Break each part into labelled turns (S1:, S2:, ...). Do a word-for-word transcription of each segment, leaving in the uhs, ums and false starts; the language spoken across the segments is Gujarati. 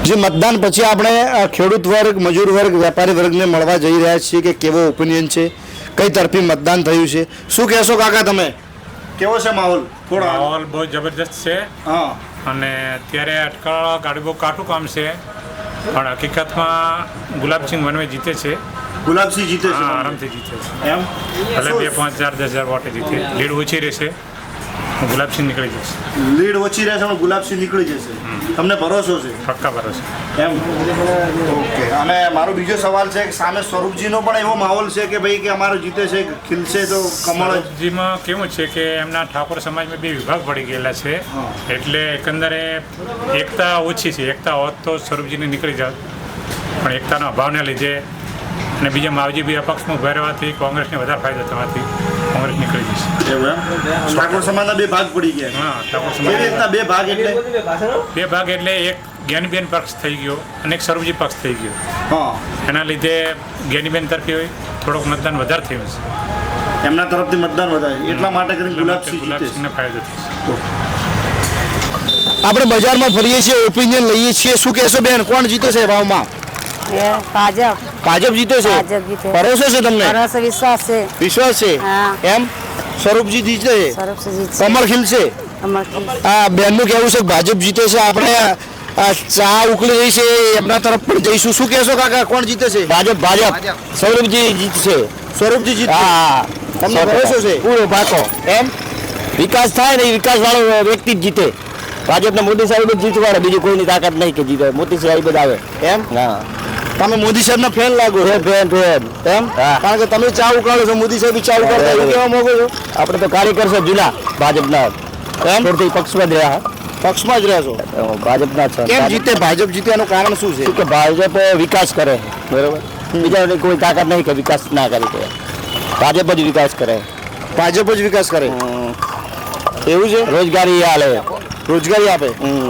S1: જે મતદાન પછી આપણે ખેડૂત વર્ગ, મજૂર વર્ગ, વેપારી વર્ગને મળવા જઈ રહ્યા છીએ કે કેવો ઓપિનિયન છે, કઈ તરફી મતદાન થયું છે, શું કહેશો કાકા તમે? કેવો છે માહોલ? થોડો
S2: માહોલ બહુ જબરજસ્ત છે.
S1: હા.
S2: અને અત્યારે અટકાળા ગાડી બહુ કાઠું કામ છે, પણ હકીકતમાં ગુલાબસિંહ વનવે જીતે છે.
S1: ગુલાબસિંહ જીતે છે?
S2: હા, આરામથી જીતે છે.
S1: એમ
S2: ભલે બે પાંચ હજાર દસ હજાર વોટે જીતે, લીડ ઓછી રહેશે, ગુલાબસિંહ નીકળી જશે.
S1: લીડ ઓછી રહેશે પણ ગુલાબસિંહ નીકળી જશે, તમને ભરોસો છે?
S2: પક્કા ભરોસે.
S1: એમ. ઓકે. અને મારો બીજો સવાલ છે કે સામે સ્વરૂપજીનો પણ એવો માહોલ છે કે ભાઈ કે અમારો જીતે છે, ખીલશે તો કમળ જ.
S2: સ્વરૂપજીમાં કેવું છે કે એમના ઠાકોર સમાજમાં બે વિભાગ પડી ગયેલા છે, એટલે એકંદરે એકતા ઓછી છે. એકતા હોત તો સ્વરૂપજીને નીકળી જાત, પણ એકતાના અભાવને લીધે અને બીજા માવજી બી અપક્ષમાં ઉભા રહેવાથી કોંગ્રેસને વધારે ફાયદો થવાથી કોંગ્રેસ નીકળી જશે.
S1: એવું એમ? ઠાકોર સમાજના બે ભાગ પડી ગયા.
S2: હા, ઠાકોર
S1: કેવી
S2: સમાજ
S1: રીતના બે ભાગ એટલે?
S2: બે ભાગ એટલે એક જ્ઞાનીબેન પક્ષ થઈ ગયો અને એક સ્વરૂપજી પક્ષ થઈ ગયો.
S1: હા.
S2: એના લીધે જ્ઞાનીબેન તરફી થોડોક મતદાન વધારે થયું છે.
S1: એમના તરફથી મતદાન વધારે, એટલા માટે કરીને ગુલાબસિંહ જીતે છે.
S2: ગુલાબસિંહને ફાયદો થશે.
S1: આપણે બજારમાં ફરીએ છીએ, ઓપિનિયન લઈએ છીએ, શું કહેશો બેન, કોણ જીતે છે ભાવમાં?
S3: ભાજપ
S1: ભાજપ જીતે છે?
S3: ભાજપ જીતે.
S1: ભરોસો છે તમને?
S3: ભરોસો વિશ્વાસ છે.
S1: વિશ્વાસ છે?
S3: હા.
S1: એમ? સ્વરૂપજી જીતે છે?
S3: સ્વરૂપજી જીતશે.
S1: કમળ ખીલશે?
S3: કમળ.
S1: આ બેનનું કહેવું છે કે ભાજપ જીતે છે. આપણે આ ચા ઉકળી રહી છે, એમના તરફ પણ જઈશું. શું કહેશો કાકા, કોણ જીતે છે? ભાજપ. ભાજપ. સ્વરૂપજી જીતશે? સ્વરૂપજી જીતશે? હા. તમને ભરોસો છે? પૂરો પાકો. એમ? વિકાસ થાય ને, વિકાસ વાળો વ્યક્તિ જ જીતે. ભાજપને મોદી સાહેબ જ જીતવાડે, બીજી કોઈની તાકાત નહીં કે જીતે. મોદી સાહેબ જ આવે. એમ? હા. તમે મોદી સાહેબના ફેન લાગો? Fan fan. એમ? કારણ કે તમે ચા ઉકાળો છો, મોદી સાહેબ ચા ઉકાળતા એવું કહેવા માંગો છો? આપણે તો કાર્યકર છે જૂના ભાજપના. એમ? પક્ષમાં જ રહ્યા. પક્ષમાં જ રહ્યા છો? ભાજપના છે. કેમ જીતે? ભાજપ જીતે એનું કારણ શું છે? કે ભાજપ વિકાસ કરે, બરોબર. બીજા કોઈ તાકાત નહીં કે વિકાસ ના કરી દે. ભાજપ જ વિકાસ કરે. ભાજપ જ વિકાસ કરે. એવું છે? રોજગારી હાલે, રોજગારી આપે.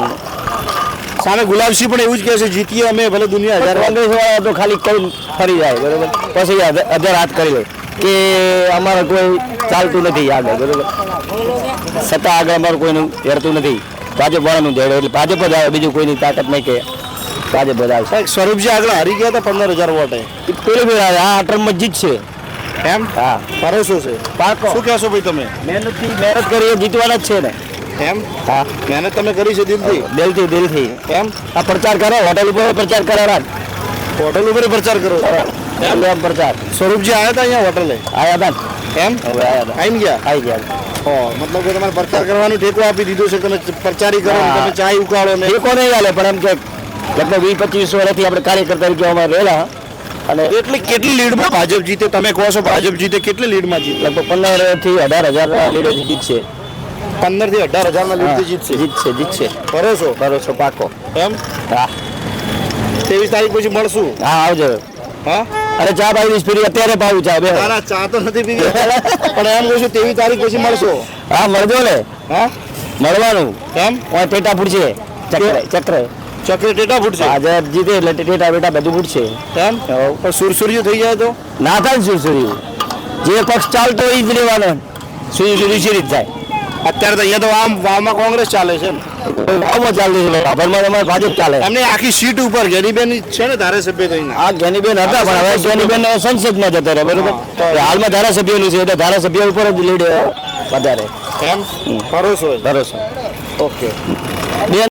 S1: સામે ગુલાબસિંહ પણ એવું જ કહે છે, જીતીએ અમે ભલે દુનિયા હજાર. કોંગ્રેસ વાળા તો ખાલી કઈ ફરી જાય, બરોબર. પછી અધર હાથ કરી લે કે અમારે કોઈ ચાલતું નથી આગળ, બરોબર. સત્તા આગળ અમારું કોઈનું હેરતું નથી, ભાજપ વાળાનું ધેડે, એટલે ભાજપ જ આવે, બીજું કોઈની તાકાત નહીં કે ભાજપ જ આવે. સ્વરૂપજી આગળ હારી ગયા હતા પંદર હજાર વોટે, પેલી ફેર આવે. આ ટર્મમાં જીતશે. એમ? હા. ભરોસો છે? પાકો. શું કહેશો ભાઈ તમે? મહેનતથી મહેનત કરી જીતવાના જ છે ને. એમ? હા. મહેનત તમે કરી છે દિલથી? દિલથી દિલથી. એમ? આ પ્રચાર કરો, હોટલ ઉપર પ્રચાર કરાવવા, હોટલ ઉપર પ્રચાર કરો. એમ? એમ પ્રચાર. સ્વરૂપજી આવ્યા હતા અહીંયા હોટલે? આવ્યા હતા. એમ? હવે આવ્યા હતા. આવી ગયા? આવી ગયા. હો, મતલબ કે તમારે પ્રચાર કરવાનો ટેકો આપી દીધો છે, તમે પ્રચારી કરો, તમે ચા ઉકાળો ને. ટેકો નહીં ચાલે, પણ એમ કે લગભગ વીસ પચીસ વર્ષથી આપણે કાર્યકર્તા તરીકે અમારે રહેલા. અને એટલે કેટલી લીડમાં ભાજપ જીતે? તમે કહો છો ભાજપ જીતે, કેટલી લીડમાં જીતે? લગભગ પંદર થી અઢાર હજાર લીડો જીતશે. પંદર થી અઢાર હજાર ના લીડથી જીતશે? જીતશે જીતશે. ભરોસો? ભરોસો પાકો. એમ? હા. ત્રેવીસ તારીખ પછી મળશું. હા, આવજો. હા. અરે ચા પાવી પીરી અત્યારે પાવું ચા. બે ના ચા તો નથી પીવી, પણ એમ કહું છું ત્રેવીસ તારીખ પછી મળશો. હા, મળજો ને. હા, મળવાનું. એમ? ટેટા ફૂટશે, ચક્ર ચક્ર ચક્ર ટેટા ફૂટશે. આજે જીતે એટલે ટેટા બેટા બધું ફૂટશે. એમ? પણ સુરસુર્યું થઈ જાય તો ના થાય ને. સુરસુર્યું જે પક્ષ ચાલતો એ જ લેવાનો, સુરસુર્યું શી રીત થાય? અત્યારે તો અહીંયા તો આમ વાવમાં કોંગ્રેસ ચાલે છે ને, વાવમાં ચાલે છે, ભાભરમાં તમારે ભાજપ ચાલે. એમને આખી સીટ ઉપર જ્ઞાનીબેન છે ને ધારાસભ્ય તો આ જ્ઞાનીબેન હતા, પણ હવે જ્ઞાનીબેન સંસદમાં જતા રહે, બરોબર. હાલમાં ધારાસભ્યનું છે એટલે ધારાસભ્ય ઉપર જ લીડ વધારે. એમ? ભરોસો? ભરોસો. ઓકે.